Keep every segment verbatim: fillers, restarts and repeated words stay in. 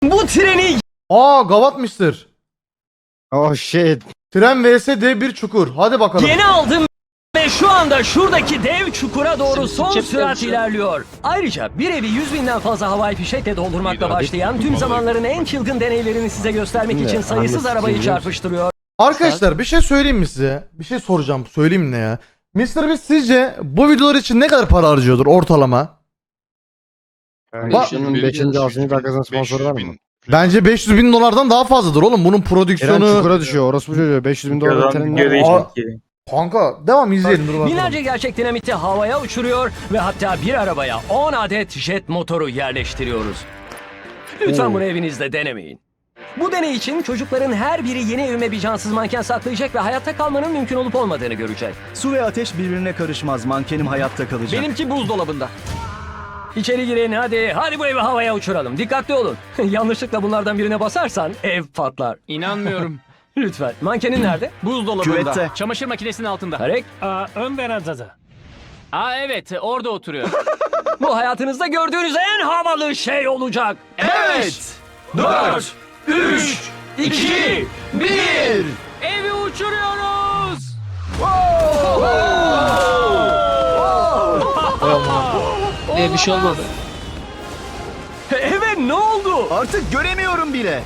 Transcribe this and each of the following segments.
Bu treni Aa Gavat Mister. Oh shit. Tren vs dev bir çukur. Hadi bakalım. yeni aldım ve şu anda şuradaki dev çukura doğru son sürat ilerliyor. Ayrıca bir evi yüz binden fazla havai fişekle doldurmakla başlayan tüm zamanların en çılgın deneylerini size göstermek Ne? için sayısız Anlasın arabayı biliyor musun? çarpıştırıyor. Arkadaşlar bir şey söyleyeyim mi size? Bir şey soracağım. Söyleyeyim ne ya? mister Beast sizce bu videolar için ne kadar para harcıyordur ortalama? Bak- Şunun beşinci altıncı dakikasının sponsoru var mı? Bence beş yüz bin dolardan daha fazladır oğlum. Bunun Eren prodüksiyonu... çukura düşüyor. Orospu çocuğu. beş yüz bin dolar Videodan internet video ne? değişik Aa. ki. Kanka devam izleyelim. Dur bakalım. Binlerce gerçek dinamiti havaya uçuruyor ve hatta bir arabaya on adet jet motoru yerleştiriyoruz. Lütfen Oo. bunu evinizde denemeyin. Bu deney için çocukların her biri yeni evime bir cansız manken saklayacak ve hayatta kalmanın mümkün olup olmadığını görecek. Su ve ateş birbirine karışmaz. Mankenim hayatta kalacak. Benimki buzdolabında. İçeri girin hadi. Hadi bu evi havaya uçuralım. Dikkatli olun. Yanlışlıkla bunlardan birine basarsan ev patlar. İnanmıyorum. Lütfen. Mankenin nerede? Buzdolabında. Küvette. Çamaşır makinesinin altında. Tarek. Aa, ön verandada. Aa evet orada oturuyor. Bu hayatınızda gördüğünüz en havalı şey olacak. Evet. dört, üç, iki, bir. Evi uçuruyoruz. Ee, bir şey olmadı. Evet ne oldu? Artık göremiyorum bile.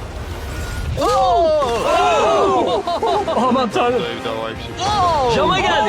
Aman tanrım. Cama geldi.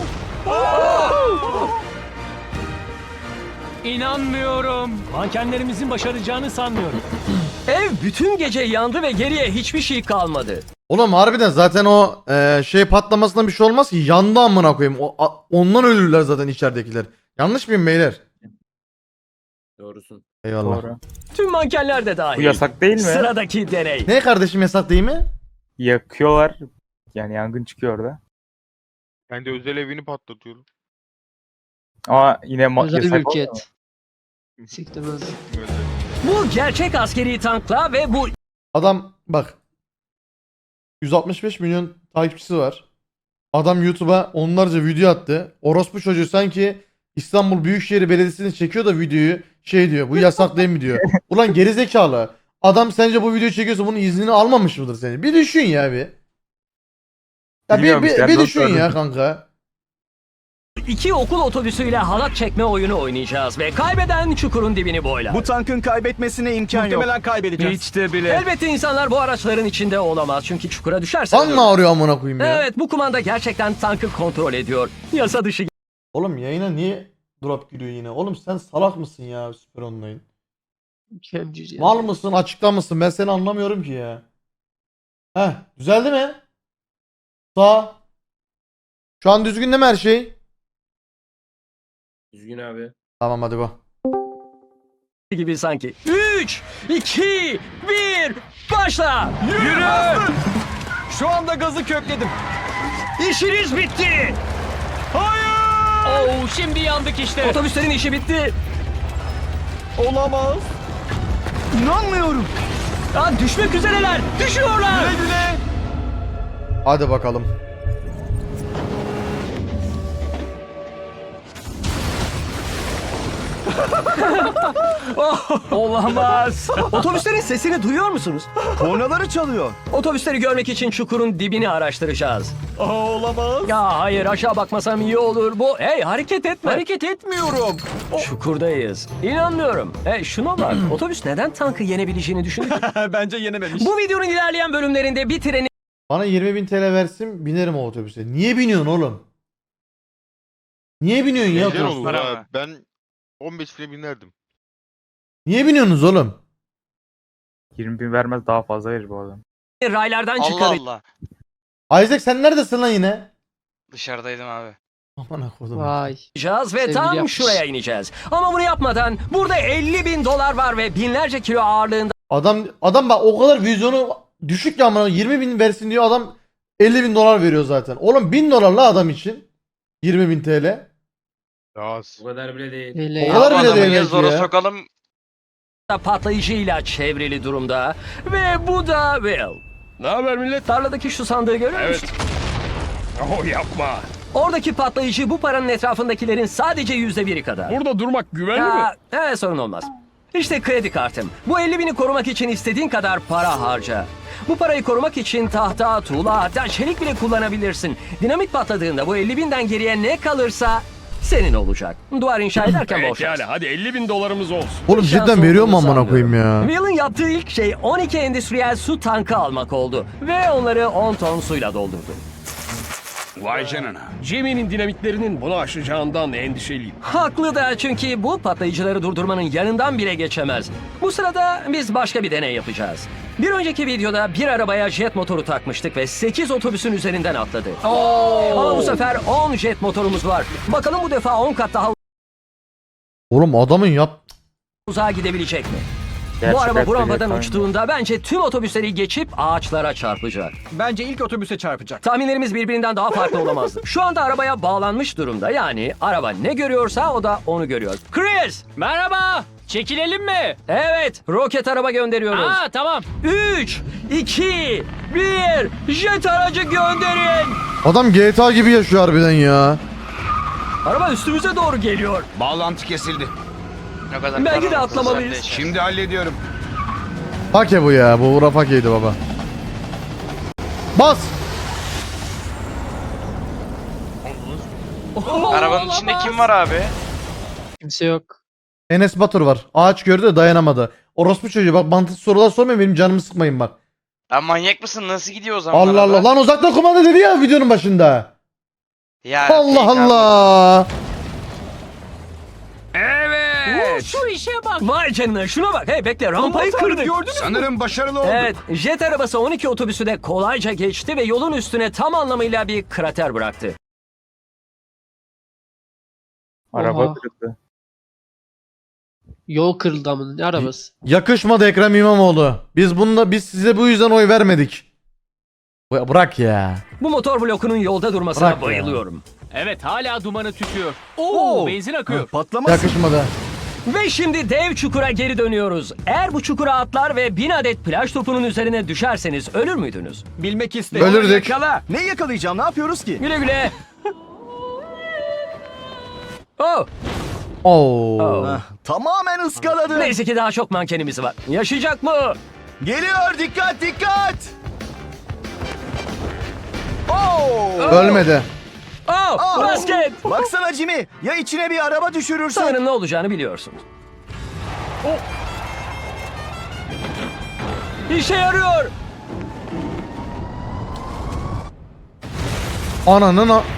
İnanmıyorum. Mankenlerimizin başaracağını sanmıyorum. Ev bütün gece yandı ve geriye hiçbir şey kalmadı. Oğlum harbiden zaten o e, şey patlamasından bir şey olmaz ki. Yandı amına koyayım. O, a- ondan ölürler zaten içeridekiler. Yanlış mıyım beyler? Doğrusun. Eyvallah. Doğru. Tüm mankenler de dahil. Bu yasak değil mi? Sıradaki deney. Ne kardeşim yasak değil mi? Yakıyorlar. Yani yangın çıkıyor orada. Ben de özel evini patlatıyorum. Ama yine ma- Özel yasak olmuyor mu? mülkiyet. Siktir böyle. Bu gerçek askeri tankla ve bu Adam bak. yüz altmış beş milyon takipçisi var. Adam YouTube'a onlarca video attı. Orospu çocuğu sanki İstanbul Büyükşehir Belediyesi'ni çekiyor da videoyu şey diyor. Bu yasak değil mi diyor. Ulan gerizekalı. Adam sence bu videoyu çekiyorsa bunun iznini almamış mıdır seni? Bir düşün ya bir. Ya bir, Bilmiyorum bir, işte, bir nasıl düşün ya öğrendim? kanka. iki okul otobüsüyle halat çekme oyunu oynayacağız ve kaybeden çukurun dibini boylar. Bu tankın kaybetmesine imkan yok. Muhtemelen kaybedeceğiz. Hiç de bile. Elbette insanlar bu araçların içinde olamaz çünkü çukura düşerse. Lan mı ağrıyor amına koyayım ya? Evet bu kumanda gerçekten tankı kontrol ediyor. Yasa dışı Oğlum yayına niye drop giriyor yine? Oğlum sen salak mısın ya Süper Online? Mükemmel. Mal mısın açıkta mısın? Ben seni anlamıyorum ki ya. Heh düzeldi mi? Sağ. Şu an düzgün değil mi her şey? Düzgün abi. Tamam hadi go. gibi sanki. üç, iki, bir, başla! Yürü! Şu anda gazı kökledim. İşiniz bitti! Oo, şimdi yandık işte. Otobüslerin işi bitti. Olamaz. İnanmıyorum. Aa, düşmek üzereler. Düşüyorlar. Güle güle. Hadi bakalım. Olamaz. Otobüslerin sesini duyuyor musunuz? Kornaları çalıyor. Otobüsleri görmek için çukurun dibini araştıracağız. Aa, olamaz. Ya hayır aşağı bakmasam iyi olur. Bu hey hareket etme. Hareket etmiyorum. Çukurdayız. İnanmıyorum. Hey şuna bak. Otobüs neden tankı yenebileceğini düşündü? Bence yenememiş. Bu videonun ilerleyen bölümlerinde bir treni Bana yirmi bin T L versin binerim o otobüse. Niye biniyorsun oğlum? Niye biniyorsun ya? Güzel otobüse? olur ha. Ben on beş bine binerdim. Niye biniyorsunuz oğlum? yirmi bin vermez daha fazla verir bu adam. raylardan Allah çıkaracağız. Allah. Isaac sen neredesin lan yine? Dışarıdaydım abi. Aman kodum. Vay. ve Sevgili tam yapmış. şuraya ineceğiz. Ama bunu yapmadan burada elli bin dolar var ve binlerce kilo ağırlığında Adam adam bak o kadar vizyonu düşük ya amına yirmi bin versin diyor adam elli bin dolar veriyor zaten. Oğlum bin dolar la adam için. yirmi bin T L. Az. Bu kadar bile değil. Öyle O kadar ya. bile Adamı değil ya belki zora ya. sokalım. patlayıcıyla çevrili durumda. Ve bu da Will. Ne haber millet? Tarladaki şu sandığı görüyor musun? Oh yapma. Oradaki patlayıcı bu paranın etrafındakilerin sadece yüzde biri kadar. Burada durmak güvenli mi? Ya, evet sorun olmaz. İşte kredi kartım. Bu elli bini korumak için istediğin kadar para harca. Bu parayı korumak için tahta, tuğla, hatta çelik bile kullanabilirsin. Dinamit patladığında bu elli binden geriye ne kalırsa senin olacak. Duvar inşa ederken bol şans. hadi elli bin dolarımız olsun. Oğlum Şans cidden veriyor mu olduğunu amına koyayım ya? sanmıyorum. Will'ın yaptığı ilk şey on iki endüstriyel su tankı almak oldu. Ve onları on ton suyla doldurdu. Vay canına. Jimmy'nin dinamitlerinin bunu aşacağından endişeliyim. Haklı da, çünkü bu patlayıcıları durdurmanın yanından bile geçemez. Bu sırada biz başka bir deney yapacağız. Bir önceki videoda bir arabaya jet motoru takmıştık ve sekiz otobüsün üzerinden atladı. Ama bu sefer on jet motorumuz var. Bakalım bu defa on kat daha Oğlum adamın yap... uzağa gidebilecek mi? Bu Gerçek araba bu hayatta rampadan gerçekten. uçtuğunda bence tüm otobüsleri geçip ağaçlara çarpacak. Bence ilk otobüse çarpacak. Tahminlerimiz birbirinden daha farklı olamazdı. Şu anda arabaya bağlanmış durumda. Yani araba ne görüyorsa o da onu görüyor. Chris! Merhaba. Çekilelim mi? Evet, roket araba gönderiyoruz. Aa tamam. üç, iki, bir, jet aracı gönderin. Adam G T A gibi yaşıyor harbiden ya. Araba üstümüze doğru geliyor. Bağlantı kesildi. Ne kadar Belki de karanlık atlamalıyız. zaten. Şimdi hallediyorum. Fake bu ya. Bu Uğra fakeydi baba. Bas. Arabanın içinde kim var abi? Kimse yok. Enes Batur var. Ağaç gördü de dayanamadı. Orospu çocuğu bak, mantıksız sorular sormayın, benim canımı sıkmayın bak. Lan manyak mısın? Nasıl gidiyor o zaman Allah araba? Allah. Lan uzaktan kumanda dedi ya videonun başında. Ya, Allah fake abi. Allah. Evet. Şu işe bak. Vay canına, şuna bak. Hey bekle, rampayı kırdık. Sanırım başarılı olduk. Evet, jet arabası on iki otobüsü de kolayca geçti ve yolun üstüne tam anlamıyla bir krater bıraktı. Araba Oha. kırıldı. Yol kırıldı amına. Ne arabası? Yakışmadı Ekrem İmamoğlu. Biz bununla biz size bu yüzden oy vermedik. Bu- Bırak ya. Bu motor blokunun yolda durmasına Bırak ya. bayılıyorum. Evet hala dumanı tütüyor. Oo, benzin akıyor. Yakışmadı. Ve şimdi dev çukura geri dönüyoruz. Eğer bu çukura atlar ve bin adet plaj topunun üzerine düşerseniz ölür müydünüz? Bilmek istedim. Ölürdük. Yakala. Ne yakalayacağım? Ne yapıyoruz ki? Güle güle. Oh. Oo. Oh. Tamamen ıskaladı. Neyse ki daha çok mankenimiz var. Yaşayacak mı? Geliyor. Dikkat dikkat. Oo. Ölmedi. Oh, basket. Baksana Jimmy. Ya içine bir araba düşürürsen? Sanırım ne olacağını biliyorsunuz. İşe yarıyor. Ananın a-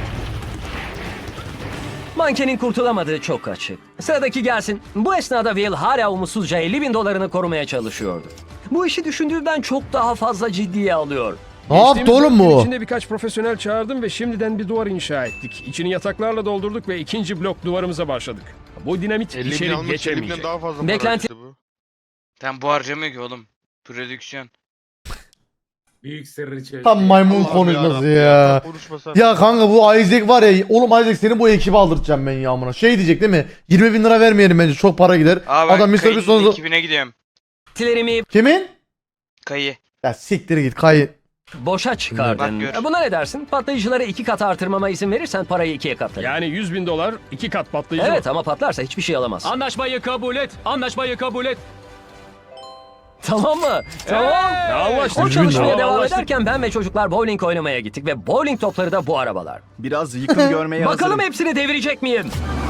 Mankenin kurtulamadığı çok açık. Sıradaki gelsin. Bu esnada Will hala umutsuzca elli bin dolarını korumaya çalışıyordu. Bu işi düşündüğünden çok daha fazla ciddiye alıyor. Ne yaptı oğlum bu? İçinde birkaç profesyonel çağırdım ve şimdiden bir duvar inşa ettik. İçini yataklarla doldurduk ve ikinci blok duvarımıza başladık. Bu dinamit elli bin içeri almış, elli binden geçemeyecek. daha fazla para Beklenti- işte bu. Sen bu harcamıyor ki oğlum. Prodüksiyon. Büyük sırrı çözdü. Tam maymun Allah'ım konuşması yarabbim ya. Konuşmasan. Ya kanka bu Isaac var ya. Oğlum Isaac seni bu ekibe aldıracağım ben ya amına. Şey diyecek değil mi? yirmi bin lira vermeyelim bence, çok para gider. Abi ben Adam mister kayının bir sonu... iki bine gidiyorum. Tilerimi Kimin? Kayı. Ya siktir git kayıt. boşa çıkardın. Bak gör. E, Buna ne dersin? Patlayıcıları iki kat artırmama izin verirsen parayı ikiye katlarım. Yani yüz bin dolar iki kat patlayıcı Evet var. ama patlarsa hiçbir şey alamaz. Anlaşmayı kabul et. Anlaşmayı kabul et. Tamam mı? Tamam. Anlaştık. O çalışmaya Tamam, devam anlaştık. ederken ben ve çocuklar bowling oynamaya gittik ve bowling topları da bu arabalar. Biraz yıkım görmeye Bakalım hazırım. hepsini devirecek miyim?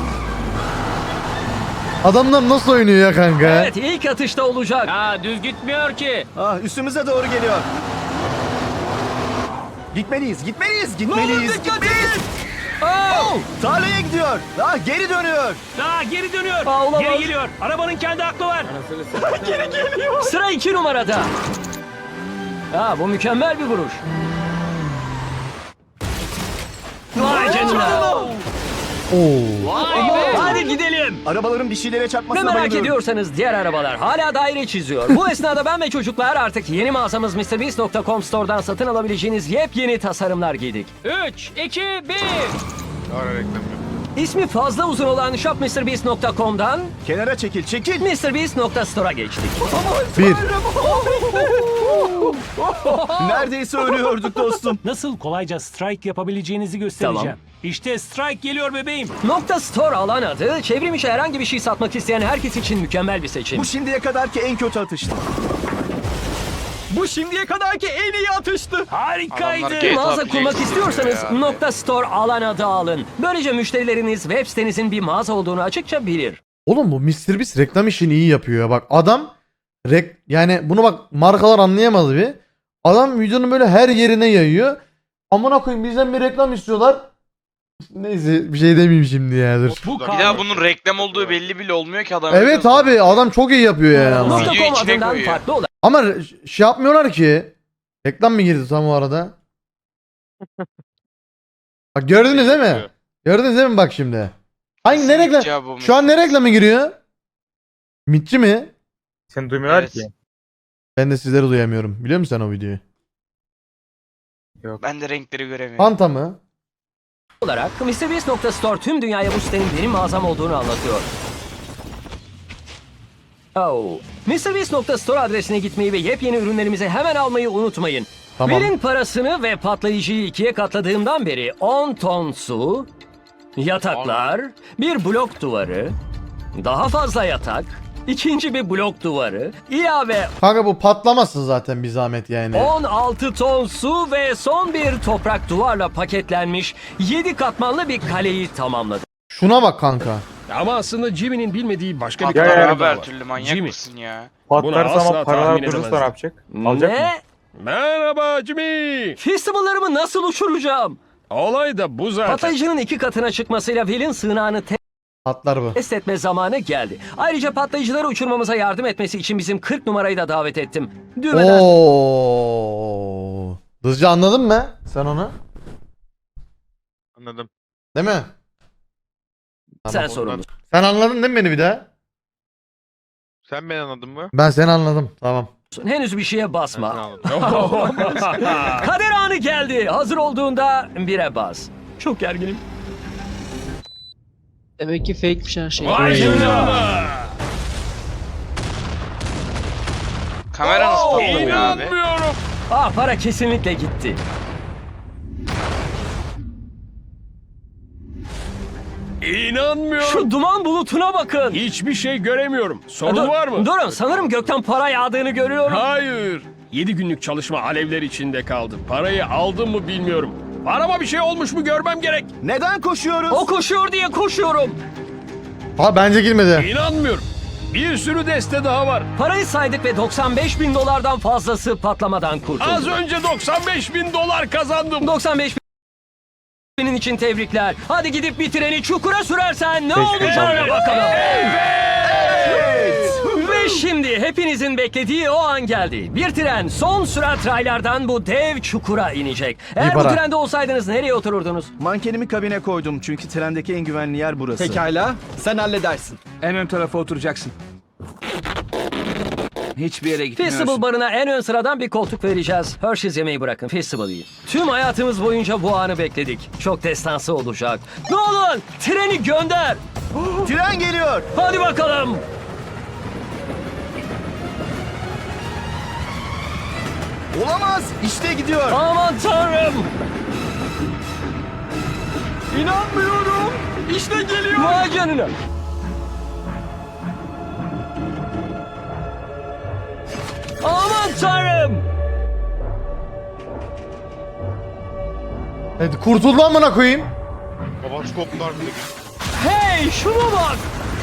Adamlar nasıl oynuyor ya kanka? Evet, ilk atışta olacak. Ha düz gitmiyor ki. Ah, üstümüze doğru geliyor. Gitmeliyiz, gitmeliyiz, gitmeliyiz, gitmeliyiz. Oh, tarlaya gidiyor. Ah, geri dönüyor. Aa, geri dönüyor. Aa, olamaz. Geri geliyor. Arabanın kendi aklı var. Sıra iki numarada. Ha, bu mükemmel bir vuruş. Vay canına. Oo. Hadi gidelim. Arabaların bir şeylere Ve çarpmasına merak bayılıyorum. ediyorsanız diğer arabalar hala daire çiziyor. Bu esnada ben ve çocuklar artık yeni mağazamız mister beast nokta com Store'dan satın alabileceğiniz yepyeni tasarımlar giydik. üç, iki, bir. Ara reklam yok. İsmi fazla uzun olan shop mister beast nokta com'dan Kenara çekil, çekil. mister beast nokta store'a geçtik. Bir. Neredeyse ölüyorduk dostum. Nasıl kolayca strike yapabileceğinizi göstereceğim. Tamam. İşte Strike geliyor bebeğim. Nokta Store alan adı, çevrim içi herhangi bir şey satmak isteyen herkes için mükemmel bir seçim. şimdiye kadarki en kötü atıştı. Bu şimdiye kadarki en iyi atıştı. Harikaydı. Adamlar G T A Mağaza Play kurmak gibi istiyorsanız ya. Nokta Store alan adı alın. Böylece müşterileriniz web sitenizin bir mağaza olduğunu açıkça bilir. Oğlum bu mister Beast reklam işini iyi yapıyor ya. Bak adam rek yani bunu bak markalar anlayamadı bir. Adam videonun böyle her yerine yayıyor. Amına koyayım bizden bir reklam istiyorlar. Neyse bir şey demeyeyim şimdi ya dur. Bu Bir daha bunun reklam olduğu belli bile olmuyor ki adam. Evet abi adam çok iyi yapıyor yani ama. Nokta Video com içine adından koyuyor. farklı olarak Ama re- şey yapmıyorlar ki. Reklam mı girdi tam o arada? Bak gördünüz değil mi? Gördünüz değil mi bak şimdi? Hangi ne reklam? Şu an ne reklamı giriyor? Mitçi mi? Seni duymuyorlar Evet. ki. Ben de sizleri duyamıyorum. Biliyor musun sen o videoyu? Yok. Ben de renkleri göremiyorum. Fanta mı? olarak mister Beast nokta store tüm dünyaya bu sitenin benim mağazam olduğunu anlatıyor. Oh. mister Beast nokta store adresine gitmeyi ve yepyeni ürünlerimizi hemen almayı unutmayın. Tamam. Verin parasını ve patlayıcıyı ikiye katladığımdan beri on ton su, yataklar, bir blok duvarı, daha fazla yatak, ikinci bir blok duvarı, ilave Kanka bu patlamasın zaten bir zahmet yani. on altı ton su ve son bir toprak duvarla paketlenmiş yedi katmanlı bir kaleyi tamamladı. Şuna bak kanka. Ama aslında Jimmy'nin bilmediği başka bir Ya, ya, karar Abi daha her var. türlü manyak Jimmy. mısın ya? Patlarsa asla ama paralar tahmin durursa ne edemezdim. yapacak? Alacak mı? Ne? Merhaba Jimmy. Festivallarımı nasıl uçuracağım? Olay da bu zaten. Patlayıcının iki katına çıkmasıyla Will'in sığınağını Patlar bu. test etme zamanı geldi. Ayrıca patlayıcıları uçurmamıza yardım etmesi için bizim kırk numarayı da davet ettim. Düğmeden Oo. Hızlıca anladın mı sen onu? Anladım. Değil mi? sen sorumlusun. Sen anladın değil mi beni bir daha? Sen beni anladın mı? Ben seni anladım. Tamam. Henüz bir şeye Ben seni basma. anladım. Kader anı geldi. Hazır olduğunda bire bas. Çok gerginim. Demek ki fake'miş her şey. Vay canına. Kamera nasıl patlamıyor abi? İnanmıyorum. Ah, para kesinlikle gitti. İnanmıyorum. Şu duman bulutuna bakın. Hiçbir şey göremiyorum. Sorun Dur- var mı? Durun, sanırım gökten para yağdığını görüyorum. Hayır. Yedi günlük çalışma alevler içinde kaldı. Parayı aldım mı bilmiyorum. Parama bir şey olmuş mu görmem gerek. Neden koşuyoruz? O koşuyor diye koşuyorum. Ha bence girmedi. İnanmıyorum. Bir sürü deste daha var. Parayı saydık ve doksan beş bin dolardan fazlası patlamadan kurtuldu. Az önce doksan beş bin dolar kazandım. doksan beş binin için tebrikler. Hadi gidip bir treni çukura sürersen ne olacağına bakalım. Ve şimdi hepinizin beklediği o an geldi. Bir tren son sürat raylardan bu dev çukura inecek. Eğer bu para. trende olsaydınız nereye otururdunuz? Mankenimi kabine koydum çünkü trendeki en güvenli yer burası. Pekala, sen halledersin. En ön tarafa oturacaksın. Hiçbir yere Festival barına en ön sıradan bir koltuk vereceğiz. Hershey's yemeği bırakın, Festival yiyin. Tüm hayatımız boyunca bu anı bekledik. Çok destansı olacak. Nolan, treni gönder. Tren geliyor. Hadi bakalım. Olamaz. İşte gidiyor. Aman tanrım. İnanmıyorum. İşte geliyor. Vay canına. Aman tanrım. Evet, kurtuldu amına koyayım. Babası koptular bile. Hey, şuna bak.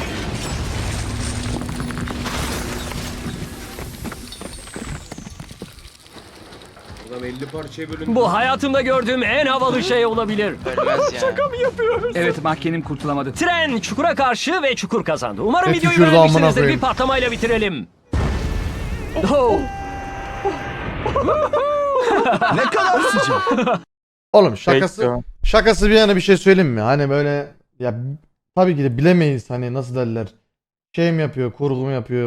Bu hayatımda gördüğüm en havalı şey olabilir. Ölmez ya. Evet, mahkenim kurtulamadı. Tren çukura karşı ve çukur kazandı. Umarım Ne videoyu tükürdü amına beğenmişsinizdir. koyayım. Bir patlamayla bitirelim. Oh. Ne kadar sıcak. Oğlum şakası Fake şakası bir yana bir şey söyleyeyim mi? Hani böyle ya tabii ki de bilemeyiz hani nasıl derler. Şey mi yapıyor, kurgu mu yapıyor?